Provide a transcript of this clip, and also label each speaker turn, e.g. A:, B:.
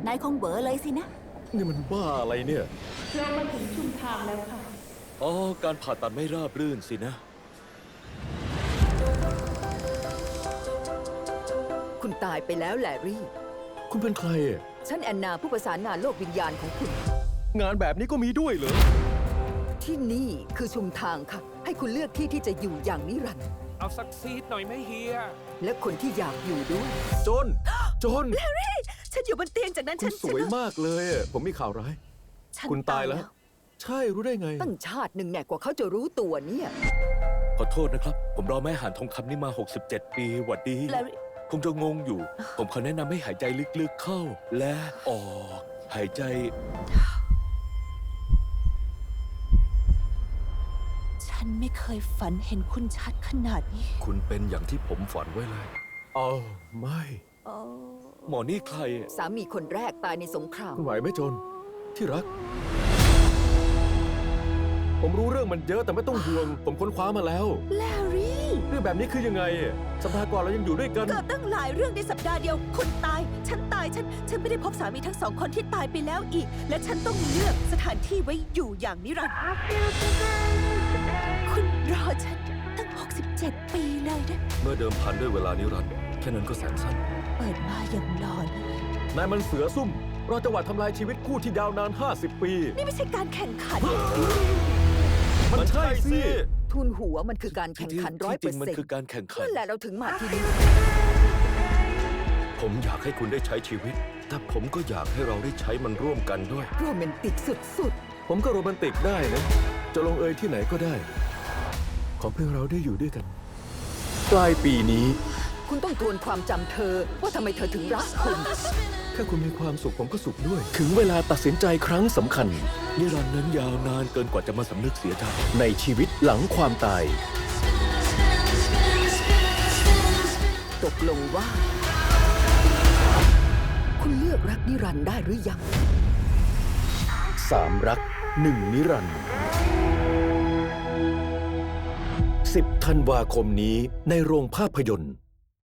A: นายคงเบอเลยสินะ
B: นี่มันบ้าอะไรเนี่ย
C: เรามาถึงชุมทางแล้วค่ะ
D: อ๋อ การผ่าตัดไม่ราบรื่นสินะ
E: คุณตายไปแล้วแลรี่
B: คุณเป็นใครอะ
E: ฉันแอนนาผู้ประสานงานโลกวิญญาณของคุณ
B: งานแบบนี้ก็มีด้วยเหรอ
E: ที่นี่คือชุมทางค่ะ ให้คุณเลือกที่ที่จะอยู่อย่างนิรันดร์
F: เอาสักซีดหน่อยไหมเฮีย
E: และคนที่อยากอยู่ด้วย
B: จน จน
E: ฉันอยู่บนเตียงจากนั้น
B: คุณสวยมากเลยอะผมมีข่าวร้าย
E: ฉัน
B: คุณตายแล้ว ใช่รู้ได้ไง
E: ตั้งชาติหนึ่งแน่กว่าเขาจะรู้ตัวเนี่ย
D: ขอโทษนะครับ ผมรอแม่หานทองคำนี่มา 67 ปีหวัดดี
A: แลรี่
D: คงจะงงอยู่ ผมขอแนะนำให้หายใจลึกๆเข้า และออก หายใจ
A: ฉันไม่เคยฝันเห็นคุณชัดขนาดนี้
B: คุณเป็นอย่างที่ผมฝันไว้เลยอ๋อไม่
A: โอ้
D: หมอนี่ใคร
E: สามีคนแรกตายในสงคราม
B: คุณไหวไหมจน ที่รัก ผมรู้เรื่องมันเยอะแต่ไม่ต้องห่วง ผมค้นคว้ามาแล้ว
A: แลรี่
B: เรื่องแบบนี้คือยังไงอะสัปดาห์ก่อนเรายังอยู่ด้วยกัน
A: เกิดตั้งหลายเรื่องในสัปดาห์เดียว คุณตาย ฉันตาย ฉันไม่ได้พบสามีทั้งสองคนที่ตายไปแล้วอีก และฉันต้องเลือกสถานที่ไว้อยู่อย่างนิรันดร์คุณรอฉันตั้ง 67 ปีเลยนะ
B: เมื่อเดิมพันด้วยเวลานิรันดร์แค่นั้นก็แสนสั้น
A: เปิดมาอย่างหลอนเลย
B: นายมันเสือซุ่มรอจังหวะทำลายชีวิตคู่ที่ยาวนาน 50 ปี
A: นี่ไม่ใช่การแข่งขัน
B: มันใช่สิ
E: ทุนหัวมันคือการแข่งขัน
D: ที่จริงมัน
E: 100%
D: คือการแข่งขัน
E: นั่นแหละเราถึงมาที่นี่
B: ผมอยากให้คุณได้ใช้ชีวิต แต่ผมก็อยากให้เราได้ใช้มันร่วมกันด้วย
E: โรแมนติกสุด
B: ผมก็โรแมนติกได้นะ จะลงเอยที่ไหนก็ได้ ขอเพียงเราได้อยู่ด้วยกัน ปลายปีนี้
E: ๆ คุณต้องทวนความจำเธอว่าทำไมเธอถึงรักคุณ
B: แค่คุณมีความสุขผมก็สุขด้วย ถึงเวลาตัดสินใจครั้งสำคัญ
D: นิรันดร์นั้นยาวนานเกินกว่าจะมาสำนึกเสียใจ
B: ในชีวิตหลังความตาย
E: ตกลงว่า คุณเลือกรักนิรันดร์ได้หรือยัง
B: 3 รัก 1 นิรันดร์10 ธันวาคมนี้ในโรงภาพยนตร์